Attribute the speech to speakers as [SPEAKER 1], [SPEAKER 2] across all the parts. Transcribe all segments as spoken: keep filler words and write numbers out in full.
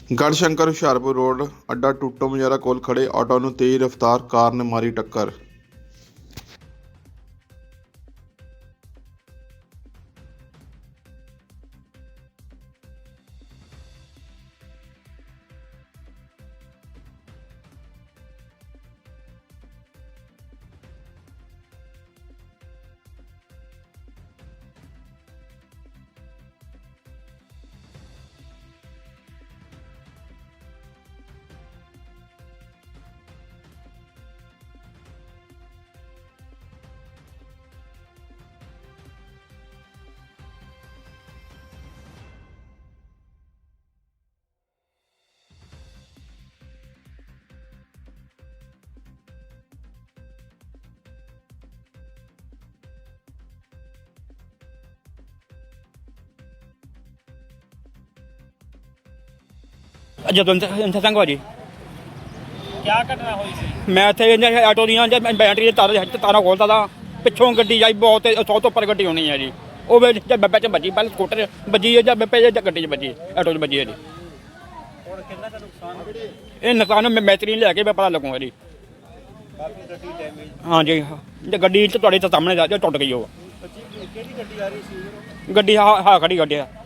[SPEAKER 1] Garhshankar Hoshiarpur road ਅੱਡਾ ਟੁੱਟੋ ਮਜਾਰਾ ਕੋਲ ਖੜੇ ਆਟੋ ਨੂੰ ਤੇਜ਼ ਰਫ਼ਤਾਰ ਕਾਰ ਨੇ ਮਾਰੀ ਟੱਕਰ।
[SPEAKER 2] जदवंत संघ भाजी
[SPEAKER 3] क्या घटना हुई सी?
[SPEAKER 2] मैं इतने आटो दी बैटरी तार तारा खोलता था, पिछों गड्डी आई बहुत सौ तो उपर गड्डी होनी है जी। वो बब्बे च बजी, पहले स्कूटर बजी है, बब्बे गड्डी च बजी, आटो च बजी है जी।
[SPEAKER 3] हुण किन्ना दा नुकसान हो गया?
[SPEAKER 2] ये नुकसान मैं मैतरी लैके पता लगूंगा जी।
[SPEAKER 3] काफी गड्डी डैमेज।
[SPEAKER 2] हाँ जी, जो गड्डी तो तुहाडे सामने जा टुट गई। वो
[SPEAKER 3] केड़ी गड्डी आ रही सी?
[SPEAKER 2] गड्डी हाँ हाँ खड़ी गड्डी है।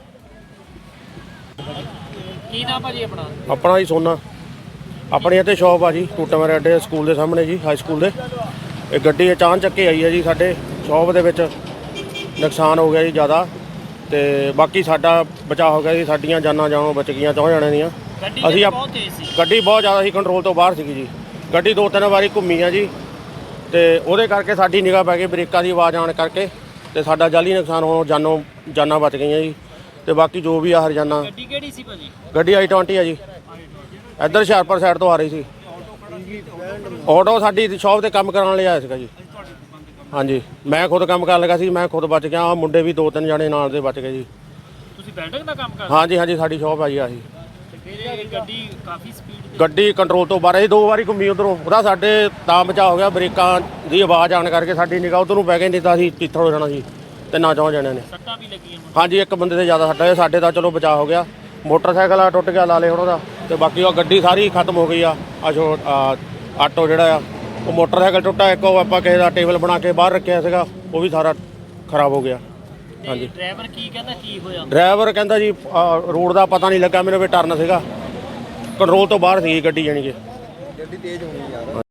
[SPEAKER 3] की नाम भाजी अपना?
[SPEAKER 4] अपना जी सोना अपनी इतने शॉप आ जी टूटा मेरे अड्डे स्कूल के सामने जी, हाई स्कूल के। एक गड्डी अचानक के आई है जी, साढ़े शॉप के नुकसान हो गया जी ज़्यादा। तो बाकी साडा बचाव हो गया जी, साडियां जानां जानों बच गई चौं जणियां दियां। असीं गड्डी बहुत ज़्यादा ही कंट्रोल तो बाहर सी जी। गड्डी दो तीन बारी घूमी है जी, तो वो करके साडी निगाह पै गई ब्रेकां की आवाज़ आने करके, तो साडा जाली नुकसान होने जानों जानां बच गई जी। तो बाकी जो भी आ हरजाना
[SPEAKER 3] गड्डी केड़ी सी भाजी?
[SPEAKER 4] गड्डी आई ट्वेंटी है जी, इधर हुशियारपुर साइड तो आ रही थी। ऑटो साडी शॉप से काम कराने आया सीगा जी। हाँ जी, मैं खुद काम कर लगा सी, मैं खुद बच गया। मुंडे भी दो तीन जने नाल दे बच गए जी।
[SPEAKER 3] तुसीं वेल्डिंग दा काम कर?
[SPEAKER 4] हाँ जी हाँ जी, साडी शॉप आई आही।
[SPEAKER 3] ते फिर ये गड्डी काफी स्पीड
[SPEAKER 4] गड्डी कंट्रोल तो बाहर दो बारी घूमी उधरों, ਉਹਦਾ ਸਾਡੇ ਤਾਂ ਬਚਾ ਹੋ ਗਿਆ। ਬ੍ਰੇਕਾਂ ਦੀ ਆਵਾਜ਼ ਆਣ ਕਰਕੇ ਸਾਡੀ ਨਿਗਾਹ ਉਧਰ ਨੂੰ ਪੈ ਗਈ, ਨਹੀਂ ਤਾਂ ਅਸੀਂ ਤਿੱਥੜ ਹੋ ਜਾਣਾ ਸੀ। ਤਿੰਨਾਂ ਚੌਂ ਜਣਿਆਂ ਨੇ।
[SPEAKER 3] सट्टा भी लगी है?
[SPEAKER 4] हाँ जी, एक बंदे से ज़्यादा सट्टा है, साढ़े का चलो बचा हो गया। मोटरसाइकिल टुट गया लाले होना का, तो बाकी वो गड्डी सारी खत्म हो गई आ। छो आटो जोड़ा वो मोटरसाइकिल टुटा, एक आप किसी का टेबल बना के बाहर रखा सीगा, वो भी सारा खराब हो गया। हाँ जी,
[SPEAKER 3] ड्राइवर की कहता की होया?
[SPEAKER 4] ड्राइवर कहता जी रोड का पता नहीं लगा, मेरे भी टर्न सीगा, कंट्रोल तो बाहर सी गड्डी जानी कि गड्डी तेज होनी यार।